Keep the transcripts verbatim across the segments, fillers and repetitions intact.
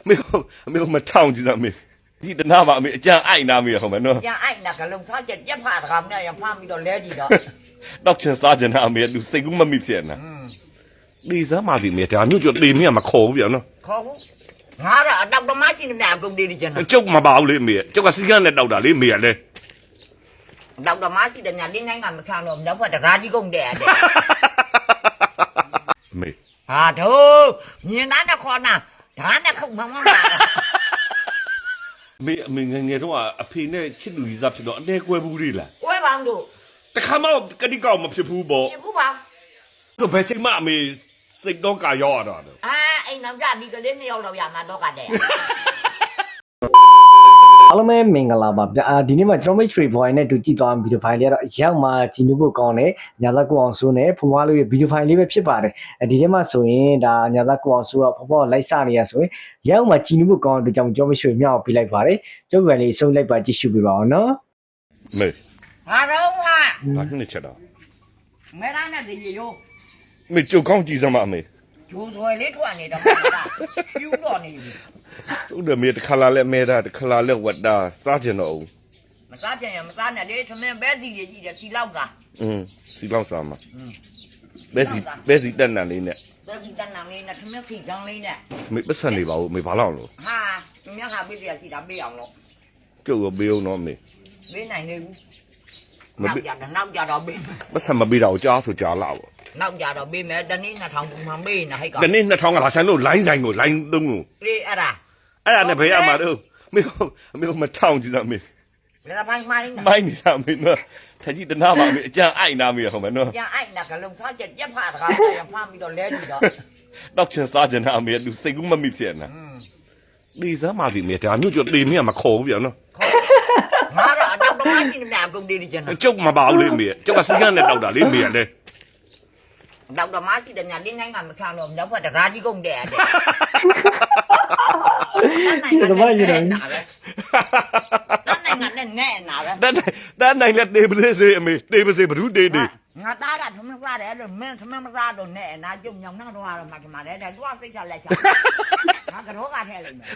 没有没有么唱几张没，你的那把没讲爱那没好吗？喏， ยังไอ้น่ะก็ลงท้ายจะยัดผ้าทำเนี่ยยังผ้ามีดอกเลี้ยจีดอก到前三件那没，都谁个么没钱呢？你这嘛是没得，你就里面嘛考不了喏， เขางาละดอกดอกไม้สิเนี่ยกงดีดีจังนะ就嘛包里没，就个时间来到达里没嘞。 ดอกดอกไม้สิเนี่ยลิ้นง่ายๆมาสร้างลมแล้วพอจะราจีกงแดด没， อ่าโธ่เนี่ยนั้นน่ะคนน่ะฐานน่ะเข้ามามา没没人家说啊，陪那吃路易莎吃到那怪不的了。 โอ้ยบางดูแต่ข้ามาก็ดีเก่ามาพิพูบอกนี่ผู้บ่าวก็ไปใช้มาไม่สิ่งต้องการยอดอ่ะอ่าไอ้น้ำยามีก็เล่นเนี่ยเราอย่ามาดอกกันแดดအားလုံးပဲမင်္ဂလာပါဗျာဒီနေ့မှာကျွန်တော်မိတ်ဆွေဘွားနဲ့တူကြည့်သွားဗီဒီယိုဖိုင်လေးကတော့အရောက်မှာကြည့်လို့ကောင်းတယ်ညာသက်ကိုအောင်စိုးနဲ့ဖွားဖွားလေးရဲ့ဗီဒီယိုဖိုင်လေးပဲဖြစ်ပါတယ်ဒီထဲမှာဆိုရင်ဒါညာသက်ကိုအောင်စိုးကဖွားဖွားလိုက်စနေရဆိုရင်ရောက်မှာကြည့်လို့ကောင်းတဲ့ကြောင့်ကျွန်တော်မိတ်ဆွေမြောက်ပေးလိုက်ပါတယ်ကျုပ်ကလေးစုံလိုက်ပါကြည့်ရှုပေးပါအောင်နော်没ဟာတော့ဟာဘာဖြစ်နေချက်တော့မဲရနဲ့ဒီရိုး没就刚ကြည့်စမ်းပါမေဂျိုးဆွဲလေးထွက်နေတော့မှာပြူတော့နေပြီသူ့တဲ့မေတစ်ခါလာလဲမဲတာတစ်ခါလာလဲဝတ်တာစားကျင်တော့မစားကြရင်မစားနဲ့လေသမင်းပဲစီကြီးကြီးတယ်စီလောက်ကอืมစီလောက်စားမှာပဲစီပဲစီတက်နံလေးနဲ့ပဲစီတန်းနာလေးနဲ့သမင်းစီချောင်းလေးနဲ့မေပတ်စံနေပါဦးမေဘာလို့လို့ဟာသမင်းကပေးပြစီတာပေးအောင်လို့ကျုပ်ရောပေးအောင်တော့မေပေးနိုင်နေဘူးနောက်ကြတော့နောက်ကြတော့ပေးမယ်ပတ်စံမပေးတော့ကြားဆိုကြားလာပေါ့နောက်ကြတော့ပေးမယ်တနေ့နှစ်ထောင်ပုံမှန်ပေးနေဟဲ့ကောင်ဒီနေ့နှစ်ထောင်ကလာဆိုင်လို့လိုင်းဆိုင်ကိုလိုင်းသုံးကိုလေအဲ့ဒါအဲ့ဒါနဲ့ဘယ်ရမှာတော့မေမေမထောင်ကြည့်စမ်းမေလည်းပိုင်းမိုင်းမိုင်းနေတာမေနော်ထကြီးတနာမှာမေအကြံအိုက်နာမေဟုတ်မယ်နော်ยังไอ้น่ะก็ลงท้ายจะยัดผ้าทำเนี่ยยังผ้ามีดอกเลี้ยจีดอกတော့ချင်စားကျင်တာမေသူစိတ်ကူးမမိဖြစ်နေဒီစမ်းပါစီမေဒါမျိုးကျလေမင်းကမခေါ်ဘူးပြန်နော်ငါတော့အတော့ဒမိုင်းစီเนี่ยกงดีดีจังนะကျုပ်မပါဘူးလေမေကျုပ်ကစီကန်းနဲ့တောက်တာလေမေလေดอกดอกไม้สิเนี่ยลิ้นง่ายๆมาสร้างลมแล้วพอจะราจีกงแดดဒီတော့မှယူတယ်นั่นไงนั่นแน่น่ะပဲတန်းတန်းနိုင်လက်တေးပလေးစေအမေတေးပစေဘ누구တေးတေးငါသားကသမင်းစားတယ်လို့မင်းသမင်းမစားတော့နဲ့နာကျုံညောင်နှောက်တော့ရမှာဒီမှာလေတဲ့သူကစိတ်ချလိုက်ချာငါကတော့ကထဲလိုက်မယ်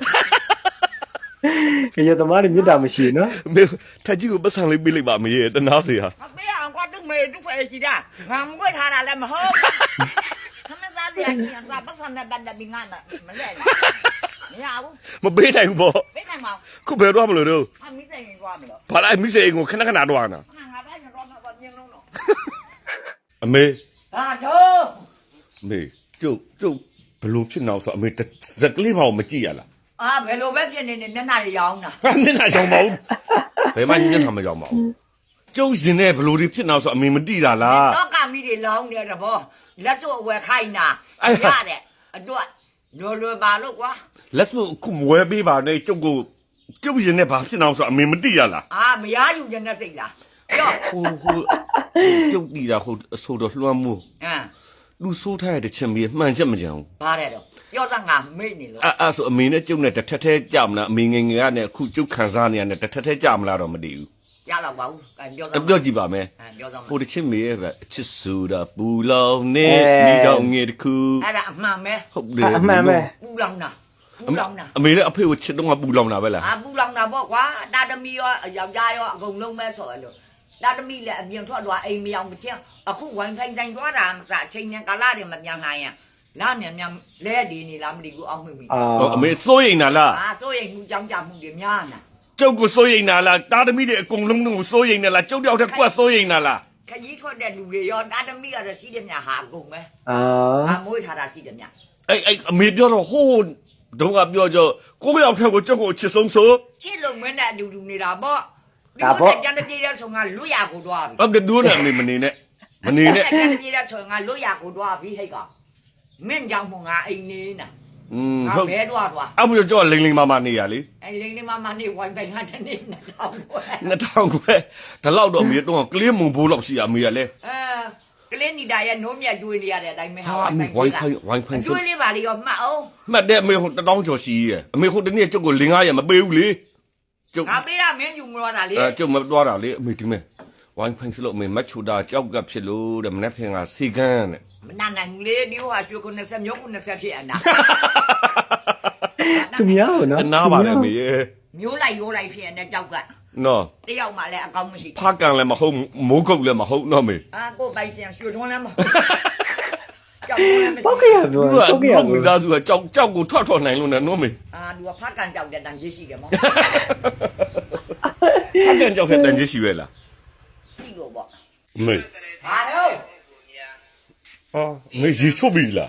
ရေသမားတွေမြတ်တာမရှိနော်မေထကြီးကိုပတ်စံလေးပေးလိုက်ပါမေတနာစေဟာမပေးအောင်ကတူမေတူဖယ်စီတာငါမွေးထားတာလည်းမဟုတ်သမင်းစားတယ်ညာသာပတ်စံနဲ့ပတ်တယ်ပြီးငါမလဲမရဘူးမပေးနိုင်ဘူးပေါ့ပေးနိုင်မအောင်ခုဘယ်တော့မလို့တော့အမိဆိုင်ရင်သွားမလို့ဘာလိုက်မိစေအိမ်ကိုခဏခဏတော့နာငါငါတိုင်းတော့မပါမြင်လို့တော့အမေဟာတော့မေကျုပ်ကျုပ်ဘလို့ဖြစ်နေအောင်ဆိုအမေဇက်ကလေးပါမကြည့်ရလားအာဘယ်လိုပဲဖြစ်နေနေမျက်နှာရောင်းတာဟာမျက်နှာကြောင်မဟုတ်ဘယ်မှမျက်နှာမကြောင်မဟုတ်ကျုပ်ရှင်နဲ့ဘလို့ဒီဖြစ်နေအောင်ဆိုအမေမတိတာလားတော့ကမိတွေလောင်းတယ်တဘောလက်စွပ်အဝယ်ခိုင်းတာရတဲ့အတွက်လွယ်လွယ်ပါလို့ကွာလက်စွပ်ခုမဝဲပေးပါနဲ့ကျုပ်ကိုကျုပ်ရှင်နဲ့ဘာဖြစ်နေအောင်ဆိုအမေမတိရလားအာမရယူခြင်းနဲ့စိတ်လားပြောဟိုဟိုကျုပ်တီတာဟိုအဆိုတော်လွှမ်းမှုအမ်လူဆိုးထားတဲ့ချင်းမီမှန်ချက်မကြအောင်ပါတယ်တော့ပြောစမ်းငါမိတ်နေလို့အဲ့အဲ့ဆိုအမေနဲ့ကျုပ်နဲ့တစ်ထက်ထဲကြမလားအမေငယ်ငယ်ကနဲ့အခုကျုပ်ခံစားနေရတဲ့တစ်ထက်ထဲကြမလားတော့မတည်ဘူးရတော့ပါဘူးအဲပြောစအမ်းပြောကြည့်ပါမယ်အဲပြောစမ်းဟိုတစ်ချင်းမေရဲ့ပဲအချစ်ဆိုတာပူလောင်နေဒီတော့ငယ်တခုအဲ့ဒါအမှန်ပဲဟုတ်တယ်အမှန်ပဲပူလောင်တာပူလောင်တာအမေနဲ့အဖေကိုချစ်တော့ကပူလောင်တာပဲလားအာပူလောင်တာပေါ့ကွာတာသမီရောယောက်ျားရောအကုန်လုံးပဲဆိုရလို့တာသမီလည်းအပြင်ထွက်သွားအိမ်မရောက်မချင်းအခုဝိုင်းဆိုင်ဆိုင်သွားတာမစားအချိန်နဲ့ကာလတွေမပြန်နိုင်ရင်လာမြန်မြန်လဲဒီနေလားမသိဘူးအောက်မှိပြီအာဟောအမေစိုးရိမ်တာလားအာစိုးရိမ်မှုကြောင်းကြမှုတွေများနာကျုပ်ကိုစိုးရိမ်တာလားတာသမီတွေအကုန်လုံးကိုစိုးရိမ်နေလားကျုပ်တယောက်တည်းကွက်စိုးရိမ်တာလားခကြီးထွက်တဲ့လူတွေရောတာသမီကတော့ရှိတယ်မြဟာအကုန်ပဲအာအာမွေးထားတာရှိတယ်မြအဲ့အဲ့အမေပြောတော့ဟိုးတော့ကပြောကြကိုယ့်ယောက်ထက်ကိုကျုပ်ကိုအချစ်ဆုံးဆိုချစ်လို့မင်းနဲ့အတူတူနေတာပေါ့ဒီကျန်တဲ့ပြေးတဲ့ဆုံကလွတ်ရကိုသွားပြီဟုတ်တယ်ဒူးနဲ့အမေမနေနဲ့မနေနဲ့ကျန်တဲ့ပြေးတဲ့ဆုံကလွတ်ရကိုသွားပြီဟဲ့ကမင်းကြောင့်မငါအိမ်နေနာอืมငါဟုတ်ဘဲတော့သွားအဲ့မျိုးကြောလိမ့်လိမ့်မာမာနေရလေအဲလိန်လေးမမနေဝိုင်းပိုင်ကတနေ့နဲ့တော့ပွဲနှစ်ထောင်ခွဲဒါလောက်တော့အမေတော့ကလေးမုံဘိုးလောက်ရှိရအမေရလဲအဲကလေးနီတာရဲ့နိုးမြတ်ကျွေးနေရတဲ့အတိုင်းပဲဟာအမေဝိုင်းဖိုင်ဝိုင်းဖိုင်ဆိုကျွေးလေးပါလေရောမှတ်အောင်မှတ်တဲ့အမေဟိုတတောင်းကျော်ရှိရဲ့အမေဟိုတနေ့ကျုပ်ကိုလင်းကားရမပေးဘူးလေကျုပ်ငါပေးတာမင်းယူမလို့တာလေအဲကျုပ်မသွားတာလေအမေဒီမဲ့ဝိုင်းဖိုင်ဆိုလို့အမေမတ်ချူတာကြောက်ကပ်ဖြစ်လို့တဲ့မနေ့ဖင်ကစီကန်းတဲ့မနာနိုင်ဘူးလေဒီဟိုဟာရွှေ90မျိုး90ဖြစ်အနာသူများဟုတ်နော်နားပါလေအမေရဲ့မျိုးလိုက်ရိုးလိုက်ဖြစ်နေတဲ့ကြောက်ကနော်တယောက်မှလည်းအကောင်းမရှိဖားကန်လည်းမဟုတ်မိုးကုတ်လည်းမဟုတ်နော်မေအာကိုပိုင်စင်ရွှေထွန်းလည်းမဟုတ်ကြောက်လည်းမရှိပောက်ခရပြောသူကပောက်ခရတော့မိပြောသားစုကကြောက်ကြောက်ကိုထွက်ထွက်နိုင်လို့နဲ့နော်မေအာသူကဖတ်ကန်ကြောက်တဲ့တန်ကြီးရှိတယ်မောဖားကန်ကြောက်တဲ့တန်ကြီးရှိပဲလားရှိလို့ပေါ့မေဟာတော့ဟာမေရေချုပ်ပြီလား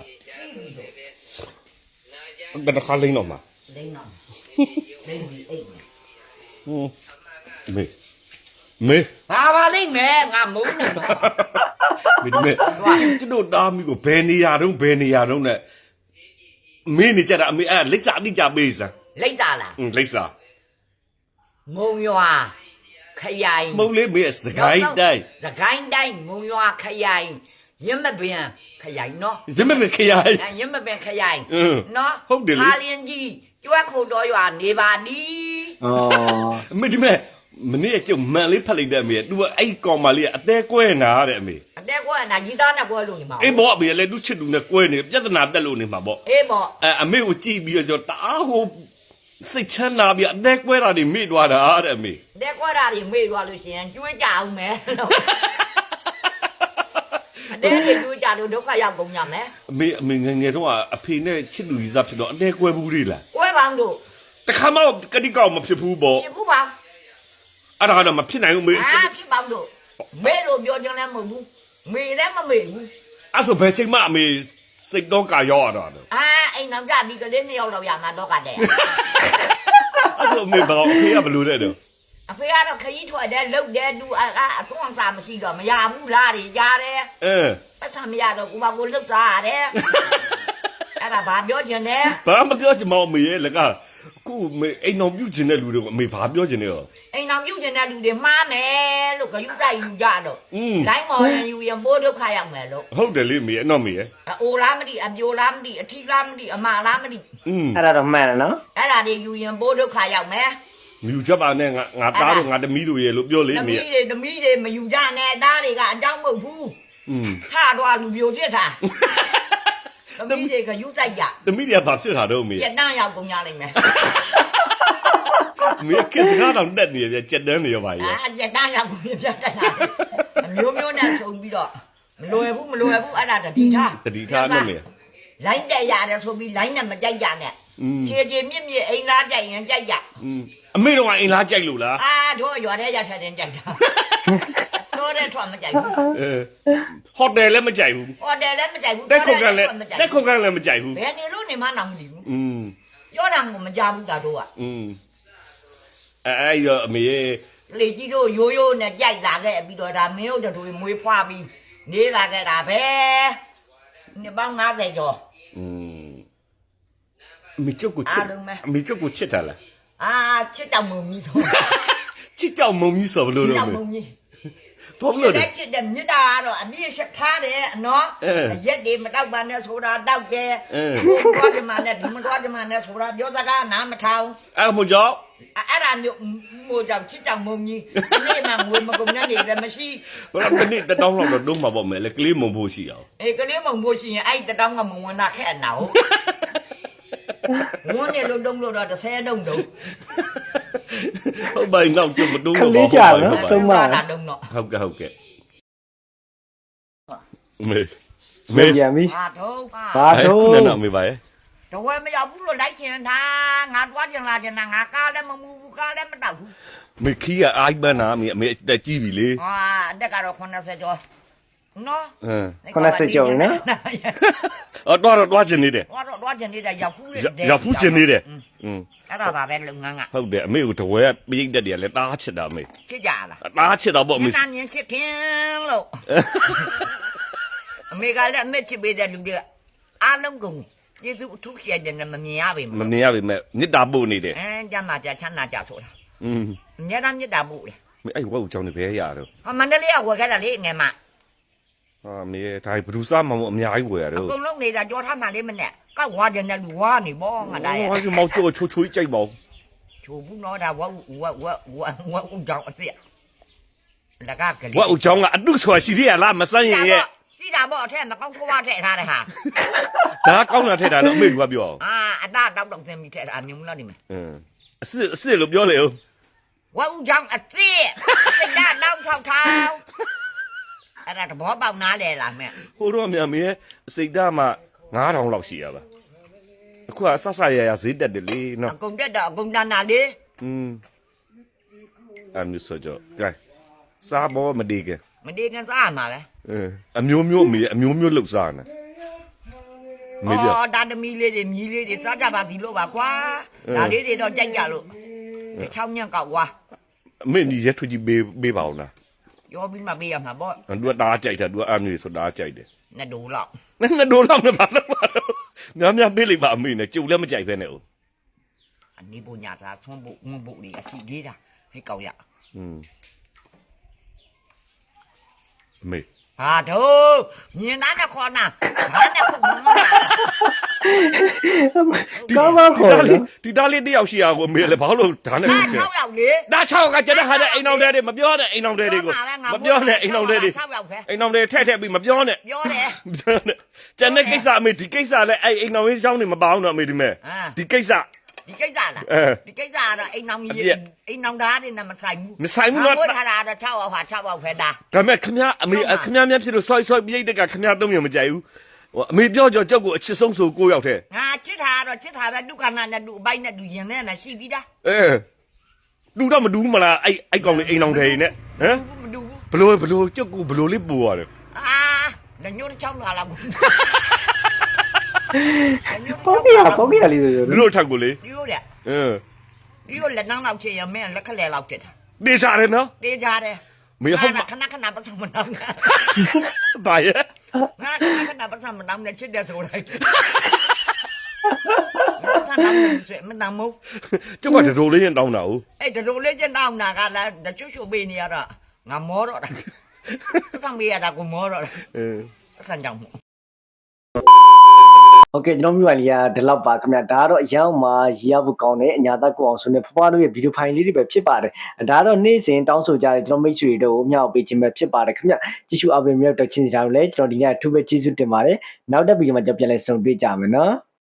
ဘယ်နှခါလိမ့်တော့မှာလိမ့်တော့လိမ့်ပြီးအိတ်ဟင်းမေမေဘာပါလိမ့်မယ်ငါမုန်းနေတော့မေဒီမေကျွန်တော်တားမိကိုဘယ်နေရာတုန်းဘယ်နေရာတုန်းနဲ့မင်းနေကြတာအမေအဲ့လိပ်စာအတိကြပေးစမ်းလိမ့်တာလားဟင်းလိပ်စာမုံရွာခရိုင်မုံလေးမေစကိုင်းတိုင်းစကိုင်းတိုင်းမုံရွာခရိုင်ရမပင်ခရိုင်နော်ရမမေခရိုင်အဲရမပင်ခရိုင်အင်းနော်ဟုတ်တယ်လေဟာလင်းကြီးကျွဲခုတ်တော်ရွာနေပါဒီอ๋อအမေဒီမေမနေ့ကကျုံမန်လေးဖက်လိုက်တဲ့အမေက तू အဲ့ကောင်မလေးကအသေးကွဲနာတဲ့အမေအတက်ကွာနာကြီးသားနဲ့ကွဲလို့နေမှာအေးဘောအမေလည်းသူချစ်သူနဲ့ကွဲနေပြဿနာတက်လို့နေမှာပေါ့အေးပေါ့အဲအမေကိုကြည့်ပြီးတော့တအားဟိုစိတ်ချမ်းသာပြီးအသေးကွဲတာတွေမိသွားတာတဲ့အမေအတက်ကွာတာတွေမေ့သွားလို့ရှိရင်ကျွေးကြအောင်မယ်လို့အတက်တွေကျွေးကြလို့ဒုက္ခရောက်ကုန်ကြမယ်အမေအမေငယ်ငယ်တော့အဖေနဲ့ချစ်သူကြီးစားဖြစ်တော့အသေးကွဲဘူးလေလားကွဲပေါင်းတို့တခါမှကတိကောက်မဖြစ်ဘူးပေါ့ဖြစ်ဘူးပါအဲ့ဒါကတော့မဖြစ်နိုင်ဘူးမေအာဖြစ်ပေါင်းတို့မေ့လို့ပြောကြလည်းမဟုတ်ဘူးမေ့လည်းမမေ့ဘူးအဲ့ဆိုဘယ်ချိန်မှအမေစိတ်တော့ကာရောက်ရတော့တယ်အာအိမ်နောက်ကြပြီးကလေးနှစ်ယောက်တော့ရမှာတော့ကတဲ့အဲ့ဆိုအမေဘာအဖေကဘယ်လိုလဲတော့အဖေကတော့ခကြီးထွက်တယ်လှုပ်တယ်သူအာအဆုံးအစာမရှိတော့မရဘူးလားတွေကြားတယ်အဲပတ်စံမရတော့ကိုမကိုလှုပ်စားရတယ်အဲ့ဒါဘာပြောချင်လဲဘာမပြောချင်မအောင်မေရဲ့လကခုမေအိမ်တော်ပြုတ်ချင်တဲ့လူတွေကိုအမေဘာပြောချင်လဲရောအိမ်တော်ပြုတ်ချင်တဲ့လူတွေမှားမယ်လို့ခယူဆိုင်ယူကြတော့อืมလိုင်းမော်ရင်ယူရင်မိုးဒုက္ခရောက်မယ်လို့ဟုတ်တယ်လေမေရဲ့နော်မေရဲ့အိုလားမသိအပြိုလားမသိအထီလားမသိအမလားမသိอืมအဲ့ဒါတော့မှန်တယ်နော်အဲ့ဒါတွေယူရင်မိုးဒုက္ခရောက်မယ်မြူချက်ပါနဲ့ငါငါသားတို့ငါတမီးတို့ရဲ့လို့ပြောလေသမီးမေရဲ့တွေသမီးတွေမယူကြနဲ့တားတွေကအကြောင်းမဟုတ်ဘူးอืมထတော့လူပြိုပြစ်တာသမီးတွေကယူဆိုင်ကြတမီးတွေကဘာဖြစ်တာတော့မေပြရဲ့က်တန်းရောက်ကုန်ကြလိမ့်မယ်မေကစ်ကားတော့တက်နေရကြက်တန်းနေရပါရဲ့အာပြက်တန်းရောက်ကုန်ပြက်တန်းအမျိုးမျိုးနဲ့ဆုံပြီးတော့မလွယ်ဘူးမလွယ်ဘူးအဲ့ဒါတတိထားတတိထားနော်မေလိုင်းတက်ရတယ်ဆိုပြီးလိုင်းနဲ့မကြိုက်ရနဲ့อืมခြေခြေမြင့်မြင့်အိမ်သားကြိုက်ရင်ကြိုက်ရอืมအမေတော့အိမ်လားကြိုက်လို့လားအာတို့ရွာထဲရထတဲ့ကြိုက်တာတို့တဲ့ထွက်မကြိုက်ဘူးအဲဟိုတယ်လည်းမကြိုက်ဘူးဟိုတယ်လည်းမကြိုက်ဘူးတက်ခုတ်ကန်လည်းတက်ခုတ်ကန်လည်းမကြိုက်ဘူးဘယ်နေလို့နေမှတော့မသိဘူးอืมပြောတာကမကြဘူးတာတို့ကอืมအဲအဲ့တော့အမေရဲ့လေကြီးတို့ရိုးရိုးနဲ့ကြိုက်လာခဲ့ပြီးတော့ဒါမင်းတို့တို့မွေးဖွားပြီးနေလာခဲ့တာပဲနှစ်ပေါင်း50ကျော်อืมအမေကျုပ်ကိုချစ်အားလုံးပဲအမေကျုပ်ကိုချစ်တာလားအာချစ်တောင်မုံကြီးဆိုချစ်ကြောင်မုံကြီးဆိုဘယ်လိုချစ်လုပ်တောင်မမုံလဲကြီးတော့ဘယ်လိုလဲချစ်တဲ့မြစ်တာကတော့အပြည့်ချက်ထားတယ်နော်အဲရက်တွေမတောက်ပါနဲ့ဆိုတာတောက်တယ်အဲဘုရားကမနဲ့ဒီမတော်ကမနဲ့ဆိုတာပြောစကားနားမထောင်အဲ့မို့ကြောင့်အဲ့ဒါမျိုးမို့ကြောင့်ချစ်တောင်မုံကြီးဒီနေ့မှငွေမကုန်နဲ့နေတယ်မရှိဘယ်တော့တစ်နေ့တစ်တောင်းလောက်တော့တုံးမှာပေါ့မယ်လေကလေးမုံဖို့ရှိအောင်အေးကလေးမုံဖို့ရှိရင်အဲ့တတောင်းကမုံဝင်တာခက်အနာဟုတ်ဝန်းနေလို့တုံးလို့တော့တစ်ဆယ်တုံးတုံးဟုတ်ပါရင်တော့ကျုပ်မတုံးခတော့လေးကြနော်ဆုံးမတာတုံးတော့ဟုတ်ကဲ့ဟုတ်ကဲ့မေမေမေပြန်ပြီဟာတော့ဟာဘာတို့ခုနကမေပါရဲ့တော့ဝဲမရောက်ဘူးလို့လိုက်ချင်တာငါတွားချင်လာချင်တာငါကားလည်းမမူဘူးကားလည်းမတောက်ဘူးမေခီးကအိုက်မနာမေအမေအသက်ကြီးပြီလေဟာအတက်ကတော့80ကျော်နော်ဟမ် 80ကျော်နော်အော်တော့တော့တွားချင်နေတယ်တော့တော့တွားချင်နေတာရောက်ဖူးတယ်ရောက်ဖူးချင်နေတယ်อืมအဲ့ဒါပါပဲလုပ်ငန်းကဟုတ်တယ်အမေကိုတဝဲပိတ်တက်တယ်လေတားချစ်တာမေချစ်ကြလားတားချစ်တော့ပေါ့အမေမင်းမြင်ချစ်ခင်လို့အမေကလည်းအမေချစ်ပေးတဲ့လူတွေအားလုံးကုန်ယေရှုအထူးရှိတဲ့မမြင်ရပါဘူးမမြင်ရပါနဲ့မြစ်တာပို့နေတယ်အဲကြမ်းမှာကြချမ်းသာကြဆိုတာอืมအများသားမြတ်တာပို့လေမေအဲ့ဝက်ကိုကြောင်းနေပဲရတော့ဟာမန္တလေးကဝယ်ခဲ့တာလေငယ်မဟာမေဒါဘလူးစားမမအများကြီးဝယ်ရအတော့ကုန်လုံးနေတာကြောထားမှလေးမနဲ့ကောက်ဝါကြတဲ့လူဝါနေပေါ့ငါတိုင်းဟောဒီမောက်ချိုချိုချိုကြိုက်ပါဦးချိုဘူးတော့ဒါဝက်ဝက်ဝက်ဝက်ဝက်ဦးကြောင်အစ်စ်လက်ကကလေးဝက်ကိုကြောင်းကအတုဆိုတာရှိသေးရလားမစမ်းရင်ရဲ့စီတာပေါ့အထက်မကောင်းဆိုးဝါးထည့်ထားတယ်ဟာဒါကောင်းတာထက်တာတော့အမေကပြောအောင်အာအတားတောက်တောက်စင်းပြီးထည့်တာမြုံလားဒီမှာအင်းအစ်အစ်လို့ပြောလေဦးဝက်ဦးချောင်းအစ်စိတ်ဓာတ်နောက်ထောက်ထောက်အဲ့ဒါသဘောပေါက်နားလေလားမဲ့ဟိုတော့မြန်မင်းအစိတ်ဓာတ်မှငါးထောင်လောက်ရှိရပါအခုကဆဆရရဈေးတက်တယ်လေနော်အကုန်တက်တော့အကုန်တန်းတာလေอืมအမျိုးဆိုကြကဲစားဘောမဒီကမဒီကန်စားမှာပဲအင်းအမျိုးမျိုးအမေအမျိုးမျိုးလှုပ်စားနေမေပြအော်ဒါသမီးလေးတွေမြီးလေးတွေစားကြပါစီလို့ပါကွာဒါလေးတွေတော့ကြိုက်ကြလို့ဒီချောင်းညံ့ကောက်ကွာအမေညီရက်ထူကြီးပေးပေးပါအောင်လားရောပြီးမှပေးရမှာပေါ့သူကတားကြိုက်တာသူကအမျိုးဆိုတားကြိုက်တယ်နဲ့ဒိုးလောက်နဲ့ဒိုးလောက်နဲ့ပါလို့ပါတော့များများပေးလိုက်ပါအမေနဲ့ကြုံလည်းမကြိုက်ပဲနဲ့ဦးအနိပညာသာဆွမ်းဖို့ငုံဖို့တွေအစီလေးတာဟဲ့ကောက်ရอืมအမေဟာတို့ညင်သားနဲ့ခေါ်နာဘာနဲ့ခုမမကောင်းပါခေါ်ဒါနော်လေးဒီသားလေးတယောက်ရှိရကိုအမေလည်းဘာလို့ဒါနဲ့ဒါဖြစ်ချင်၆ယောက်လေဒါ၆ကကျတဲ့ဟာတဲ့အိမ်အောင်တဲ့တွေမပြောနဲ့အိမ်အောင်တဲ့တွေကိုမပြောနဲ့အိမ်အောင်တဲ့တွေ၆ယောက်ပဲအိမ်အောင်တွေထက်ထက်ပြီးမပြောနဲ့ပြောတယ်မပြောနဲ့ကျန်တဲ့ကိစ္စအမေဒီကိစ္စလည်းအဲ့အိမ်အောင်ရင်းချောင်းနေမပေါအောင်တော့အမေဒီမဲ့အာဒီကိစ္စဒီကိစ္စလားအဲဒီကိစ္စကတော့အိမ်နောင်အပြကြီးည့်အိမ်နောင်သားတွေနဲ့မဆိုင်ဘူးမဆိုင်ဘူးနော်ငါတို့ထားတာတော့၆ယောက်ဟာ၆ယောက်ပဲဒါဒါမဲ့ခမရအမေခမရမြတ်ဖြစ်လို့ဆော့ဆော့ပြိတ်တက်ကခမရတော့မြင်မကြိုက်ဘူးဟိုအမေပြောကြောကြောက်ကိုအချစ်ဆုံးဆိုကိုရောက်တဲ့ငါချစ်တာကတော့ချစ်တာပဲဒုက္ခနာနဲ့ဒုအပိုက်နဲ့ဒုရင်နဲ့နဲ့ရှိပြီးသားအဲလူတော့မဒူးမလားအဲ့အဲ့ကောင်လေးအိမ်အောင်တယ်နဲ့ဟမ်မဒုဘူးဘလို့ဘလို့ကြောက်ကိုဘလို့လေးပူရတယ်အာလက်ညှိုးတစ်ချောင်းလာလာဘူးပေါကရပေါကရလေးဆိုဆိုလူတို့ထက်ကိုလေဒီလိုတဲ့အင်းဒီလိုလက်နှောင်းလောက်ချင်ရမင်းလက်ခလဲလောက်တက်တာနေစားတယ်နော်တေးကြတယ်မေဟုတ်ပါခဏခဏပတ်စံမနောင်းနဲ့ဘာရဲ့ငါခဏခဏပတ်စံမနောင်းနဲ့ချစ်တယ်ဆိုလိုက်ပတ်စံနောင်းနဲ့မနောင်းမို့ကျုပ်ကတော်လေးရင်တောင်းတာ哦အဲ့ဒီလိုလေးကျတောင်းတာကလည်းတချို့ချို့ပေးနေရတော့ငါမောတော့တာပတ်စံပေးရတာကိုမောတော့တာအင်းပတ်စံကြောင့်မို့โอเคကျွန်တော်မြို့ပိုင်းလေးကဒီလောက်ပါခင်ဗျာဒါကတော့အရောက်မှာရေးရဖို့ကောင်းတယ်အညာသက်ကိုအောင်ဆိုနေဖွားဖွားတို့ရဲ့ဗီဒီယိုဖိုင်လေးတွေပဲဖြစ်ပါတယ်ဒါကတော့နေ့စဉ်တောင်းဆိုကြတယ်ကျွန်တော်မိတ်ဆွေတို့အမြောက်ပေးခြင်းပဲဖြစ်ပါတယ်ခင်ဗျာကြည့်ရှုအားပေးမြောက်တက်ချင်းစီတာတို့လည်းကျွန်တော်ဒီနေ့အထူးပဲကျေးဇူးတင်ပါတယ်နောက်တဲ့ဗီဒီယိုမှာကျွန်တော်ပြန်လည်ဆုံတွေ့ကြမယ်နော်